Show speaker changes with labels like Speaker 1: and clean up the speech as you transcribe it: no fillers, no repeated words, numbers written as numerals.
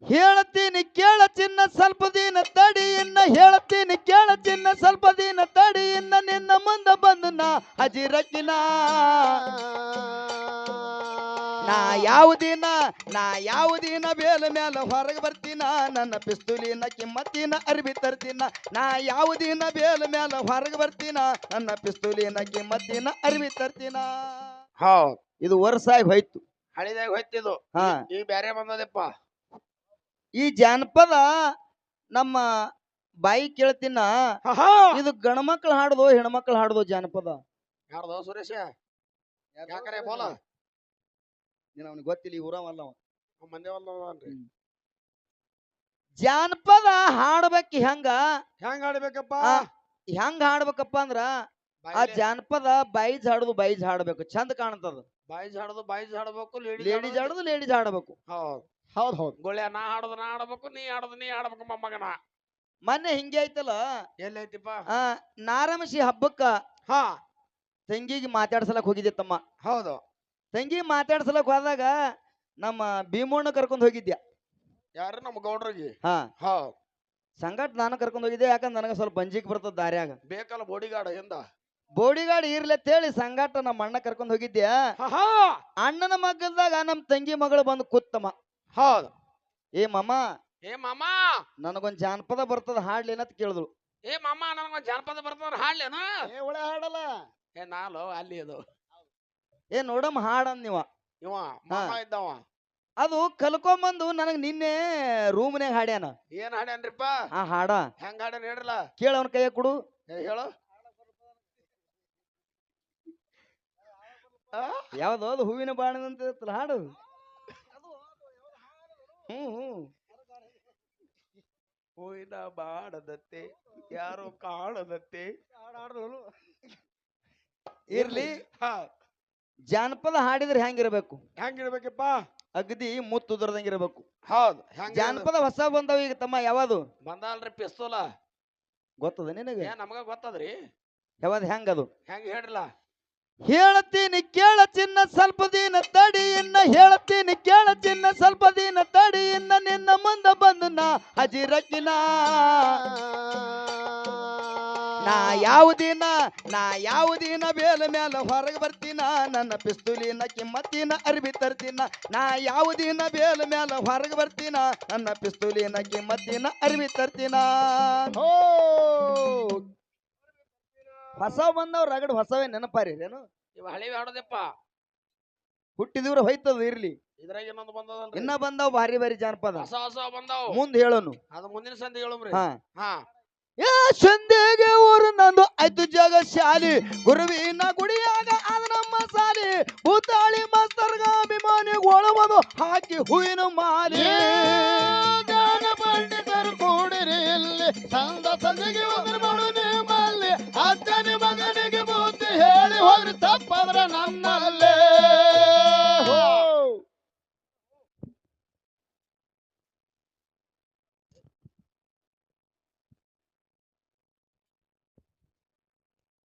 Speaker 1: ಹೇಳ್ತೀನಿ ಕೇಳ ಚಿನ್ನ ಸ್ವಲ್ಪ ದಿನ ತಡಿ ಇನ್ನ ಹೇಳ್ತೀನಿ ಕೇಳ ಚಿನ್ನ ಸ್ವಲ್ಪ ದಿನ ತಡಿ ಇನ್ನ ನಿನ್ನ ಮುಂದ ಬಂದು ನಾ ಹಜಿರಕ್ಕಿನ ನಾ ಯಾವುದಿನ ಬೇಲ ಮೇಲೆ ಹೊರಗೆ ಬರ್ತೀನ ನನ್ನ ಪಿಸ್ತೂಲಿನ ಕಿಮ್ಮತ್ತಿನ ಅರ್ಬಿ ತರ್ತೀನ ನಾ ಯಾವುದಿನ ಬೇಲ ಮೇಲೆ ಹೊರಗೆ ಬರ್ತೀನ ನನ್ನ ಪಿಸ್ತೂಲಿನ ಕಿಮ್ಮತ್ತಿನ ಅರ್ಬಿ ತರ್ತೀನ.
Speaker 2: ಹೌದ್
Speaker 1: ಇದು ವರ್ಷ ಆಗಿ ಹೋಯ್ತು,
Speaker 2: ಹಳಿದಾಗ ಹೋಯ್ತಿದು.
Speaker 1: ಹಾ
Speaker 2: ಈ ಬ್ಯಾರೆ ಬಂದದಪ್ಪ.
Speaker 1: ಈ ಜಾನಪದ ನಮ್ಮ ಬಾಯಿ ಕೇಳ್ತೀನ.
Speaker 2: ಹಾ
Speaker 1: ಇದು ಗಣಮಕ್ಳು ಹಾಡುದು ಹೆಣ್ಮಕ್ಳು ಹಾಡುದು ಜಾನಪದ
Speaker 2: ಯಾರ್ದೋ ಸುರೇಶ ಯಾಕರೆ ಬೋಲ
Speaker 1: ಅವನಿಗೆ ಗೊತ್ತಿಲ್ಲ, ಈ ಊರವಲ್ಲ ಅವ.
Speaker 2: ಮಂದಿ ಅಲ್ರಿ.
Speaker 1: ಜಾನಪದ ಹಾಡ್ಬೇಕು ಹೆಂಗ
Speaker 2: ಹೆಂಗ್ ಆಡ್ಬೇಕಪ್ಪ?
Speaker 1: ಹೆಂಗ ಹಾಡ್ಬೇಕಪ್ಪ ಅಂದ್ರ ಆ ಜಾನಪದ ಬೈಜ್ ಹಾಡ್ಬೇಕು, ಚಂದ ಕಾಣ್ತದ.
Speaker 2: ಬಾಯ್ಸ್ ಹಾಡಬೇಕು,
Speaker 1: ಲೇಡೀಸ್ ಹಾಡಬೇಕು.
Speaker 2: ಹೌದ್ ಹೌದ್. ಗೊಳ್ಳೆ ನಾ ಆಡ್ಬೇಕು, ನೀ ಆಡ್ಬೇಕು ಮೊಮ್ಮಗನ.
Speaker 1: ಮೊನ್ನೆ ಹಿಂಗೆ ಐತಲ್ಲ,
Speaker 2: ಎಲ್ಲೈತಿಪ್ಪ?
Speaker 1: ನಾರಮಶಿ ಹಬ್ಬಕ್ಕ
Speaker 2: ಹಾ
Speaker 1: ತಂಗಿಗೆ ಮಾತಾಡ್ಸಲಕ್ ಹೋಗಿದ್ದೆ ತಮ್ಮ.
Speaker 2: ಹೌದು.
Speaker 1: ತಂಗಿ ಮಾತಾಡ್ಸಲಕ್ ಹೋದಾಗ ನಮ್ಮ ಭೀಮಣ್ಣ ಕರ್ಕೊಂಡ್ ಹೋಗಿದ್ಯಾ.
Speaker 2: ಯಾರು? ನಮ್ಮ ಗೌಡ್ರಿಗೆ.
Speaker 1: ಹಾ
Speaker 2: ಹೌದ್.
Speaker 1: ಸಂಗಟ್ ನಾನು ಕರ್ಕೊಂಡ್ ಹೋಗಿದ್ದೆ, ಯಾಕಂದ್ರೆ ನನಗೆ ಸ್ವಲ್ಪ ಬಂಜಿಕ್ ಬರ್ತದ ದಾರ್ಯಾಗ.
Speaker 2: ಬೇಕಲ್ಲ ಬೋಡಿಗಾರ್ಡ್ ಹಿಂದ.
Speaker 1: ಬೋಡಿಗಾರ್ಡ್ ಇರ್ಲಿ ಹೇಳಿ ಸಂಗಟ ನಮ್ಮ ಅಣ್ಣ ಕರ್ಕೊಂಡ್ ಹೋಗಿದ್ಯಾ. ಅಣ್ಣನ ಮಗಲ್ದಾಗ ನಮ್ ತಂಗಿ ಮಗಳು ಬಂದು ಕೂತ್ತಮ್ಮ.
Speaker 2: ಹೌದು.
Speaker 1: ಏ ಮಾಮ
Speaker 2: ನನಗೊಂದ್
Speaker 1: ಜಾನಪದ ಬರ್ತದ ಹಾಡ್ಲೇನತ್ ಕೇಳಿದ್ರು.
Speaker 2: ನನಗೊಂದ್ ಜಾನಪದ ಬರ್ತದ ಹಾಡ್ಲೇನ?
Speaker 1: ಒಳ್ಳೆ ಹಾಡಲ್ಲ.
Speaker 2: ನಾಲೋ ಅಲ್ಲಿ ಅದು.
Speaker 1: ನೋಡಮ್ಮ ಹಾಡಂದ್ ನೀವ.
Speaker 2: ಇವ ಮಾಮ ಇದ್ದವ.
Speaker 1: ಅದು ಕಲ್ಕೊಂಬಂದು ನನಗ್ ನಿನ್ನೆ ರೂಮ್ನ್ಯಾಗ ಹಾಡ್ಯಾನ.
Speaker 2: ಏನ್ ಹಾಡ್ಯಾನ್ರಿಪ್ಪ?
Speaker 1: ಆ ಹಾಡ
Speaker 2: ಹೆಂಗ್ ಹಾಡ್ಯಾನ ಹೇಳ್ರಲ್ಲ.
Speaker 1: ಕೇಳ ಅವನ ಕೈಯ ಕೊಡು.
Speaker 2: ಹೇಳು.
Speaker 1: ಯಾವ್ದು ಅದು ಹೂವಿನ ಬಾಣದಂತ ಹಾಡು.
Speaker 2: ಹೂವಿನ ಬಾಡದತ್ತೆ ಯಾರು ಕಾಣದತ್ತೆ.
Speaker 1: ಇರ್ಲಿ. ಜಾನಪದ ಹಾಡಿದ್ರೆ ಹೆಂಗಿರ್ಬೇಕು?
Speaker 2: ಹೆಂಗಿರ್ಬೇಕಪ್ಪ?
Speaker 1: ಅಗದಿ ಮುತ್ತುದ್ರದಂಗಿರ್ಬೇಕು.
Speaker 2: ಹೌದ್.
Speaker 1: ಜಾನಪದ ಹೊಸ ಬಂದವ ಈಗ ತಮ್ಮ. ಯಾವುದು
Speaker 2: ಬಂದಲ್ರಿ? ಪಿಸ್ತೂಲ
Speaker 1: ಗೊತ್ತದ ನಿನಗೆ?
Speaker 2: ನಮಗ ಗೊತ್ತದ್ರಿ.
Speaker 1: ಯಾವ್ದು ಹೆಂಗದು?
Speaker 2: ಹೆಂಗ ಹೇಳ್ರಲ್ಲ.
Speaker 1: ಹೇಳ್ತೀನಿ ಕೇಳ ಚಿನ್ನ ಸ್ವಲ್ಪ ದಿನ ತಡಿ ಇನ್ನ ಹೇಳ್ತೀನಿ ಕೇಳ ಚಿನ್ನ ಸ್ವಲ್ಪ ದಿನ ತಡಿ ಇನ್ನ ನಿನ್ನ ಮುಂದ ಬಂದು ನಾ ಹಜಿರಕ್ಕಿನ ನಾ ಯಾವುದಿನ ಬೇಲ ಮೇಲೆ ಹೊರಗೆ ಬರ್ತೀನ ನನ್ನ ಪಿಸ್ತೂಲಿನ ಕಿಮ್ಮತ್ತಿನ ಅರ್ಬಿ ತರ್ತೀನ ನಾ ಯಾವುದಿನ ಬೇಲ ಮೇಲೆ ಹೊರಗೆ ಬರ್ತೀನ ನನ್ನ ಪಿಸ್ತೂಲಿನ ಕಿಮ್ಮತ್ತಿನ ಅರ್ಬಿ ತರ್ತೀನ. ಹೊಸವ್ ಬಂದವ್ ರಗಡ್ ಹೊಸವೇ ನೆನಪಾರಿ ಏನು?
Speaker 2: ಇವ ಹಳಿವಿ ಹಾಡೋದಪ್ಪ.
Speaker 1: ಹುಟ್ಟಿದವ್ರ ಹೋಯ್ತದ ಇರ್ಲಿ.
Speaker 2: ಇದ್ರಾಗ ಇನ್ನೊಂದು ಬಂದದಲ್ರಿ.
Speaker 1: ಇನ್ನ ಬಂದಾವ್ ಭಾರಿ ಭಾರಿ ಜಾನಪದ.
Speaker 2: ಹೊಸ ಬಂದಾವ್.
Speaker 1: ಮುಂದ್ ಹೇಳೋನು.
Speaker 2: ಅದು ಮುಂದಿನ ಸಂಧಿ ಹೇಳುಮ್ರಿ.
Speaker 1: ಸಂದೇಗೆ ಊರು ನಂದು ಐದು ಜಾಗ ಶಾಲಿ ಗುರುವಿನ ಗುಡಿಯಾಗ ಅದ ನಮ್ಮ ಸಾಲಿ ಭೂತಾಳಿ ಮಸ್ತರ್ಗ ಅಭಿಮಾನಿ ಒಳಮದು ಹಾಕಿ ಹೂವಿನ ಮಾಲಿ
Speaker 3: ಪಂಡಿತರು ಕೂಡಿರಿ ಇಲ್ಲಿ ಸಂದ ಸಂದಿಗೆ ಉದುರು ಮಾಡು ನಿಮ್ಮಲ್ಲಿ ಅಜ್ಜನ ಮಗನಿಗೆ ಬುದ್ಧಿ ಹೇಳಿ ಹೋಗ್ರಿ ತಪ್ಪದ್ರ ನನ್ನ